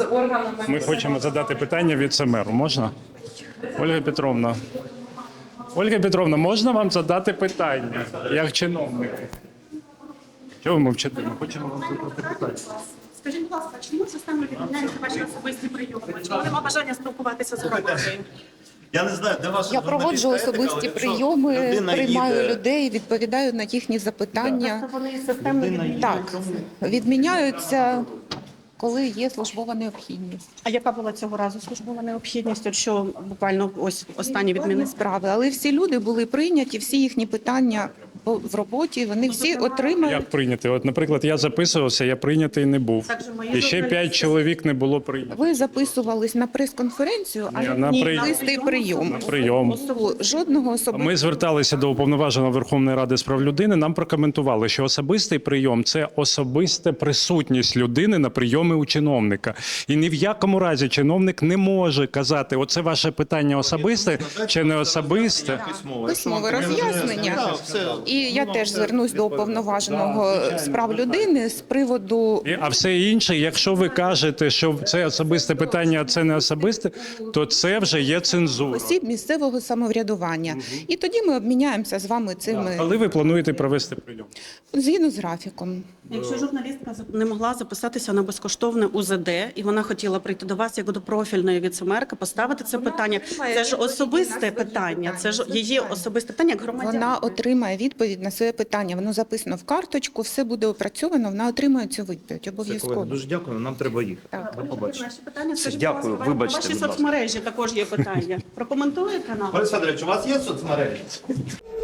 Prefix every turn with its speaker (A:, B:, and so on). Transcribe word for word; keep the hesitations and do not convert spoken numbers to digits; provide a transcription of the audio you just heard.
A: органами.
B: Ми хочемо задати питання віце-меру. Можна? Ольга Петровна. Ольга Петровна, можна вам задати питання, як чиновник? Чого ви мовчите? Ми хочемо вам задати питання.
C: Скажіть, будь ласка, чому системно відмовляються ваші особисті прийоми? Чому нема бажання спілкуватися з громадою?
D: Я не знаю, де ваша
E: Я проводжу
D: журналістська етика,
E: особисті
D: але якщо
E: прийоми,
D: людина
E: приймаю
D: їде-
E: людей, відповідаю на їхні запитання.
C: Просто вони системно
D: Людина
C: відмовляються.
E: Так, відміняються, коли є службова необхідність.
C: А яка була цього разу службова необхідність? От що буквально ось останні відміни
E: Справи, але всі люди були прийняті, всі їхні питання по- в роботі, вони всі отримають.
B: Як прийняти? От, наприклад, я записувався, я прийнятий не був.
C: Так же мої
B: І ще
C: журналісти-
B: п'ять чоловік не було прийнято.
E: Ви записувались на прес-конференцію, а
B: Ні,
E: не
B: на
E: на
B: при-
E: особистий прийом.
B: На прийом.
E: Жодного особистого.
B: Ми зверталися до уповноваженого Верховної Ради з прав людини. Нам прокоментували, що особистий прийом це особиста присутність людини на прийомі у чиновника. І ні в якому разі чиновник не може казати, оце ваше питання особисте чи не особисте.
E: Письмове роз'яснення. І я теж звернусь до уповноваженого з прав людини з приводу
B: І- А все інше, якщо ви кажете, що це особисте питання, а це не особисте, то це вже є цензура.
E: осіб місцевого самоврядування. І тоді ми обміняємося з вами цими
B: Коли ви плануєте провести прийом?
E: згідно з графіком.
C: Якщо журналістка не могла записатися на безкоштовне У З Д, і вона хотіла прийти до вас як до профільної віцемерки, поставити це питання. Це ж особисте питання, це ж її особисте питання як громадянина.
E: Вона отримає відповідь на своє питання. Воно записано в карточку, все буде опрацьовано. Вона отримає цю відповідь
D: Це,
E: обов'язково.
D: колеги, дуже дякую, нам треба їхати.
E: Так.
D: До побачення.
C: Наші питання,
D: Все,
C: скажіть,
D: дякую,
C: будь ласка,
D: вибачте,
C: ваші
D: будь ласка.
C: соцмережі також є питання. Прокоментуєте нам?
D: Борис Федорович, у вас є соцмережі?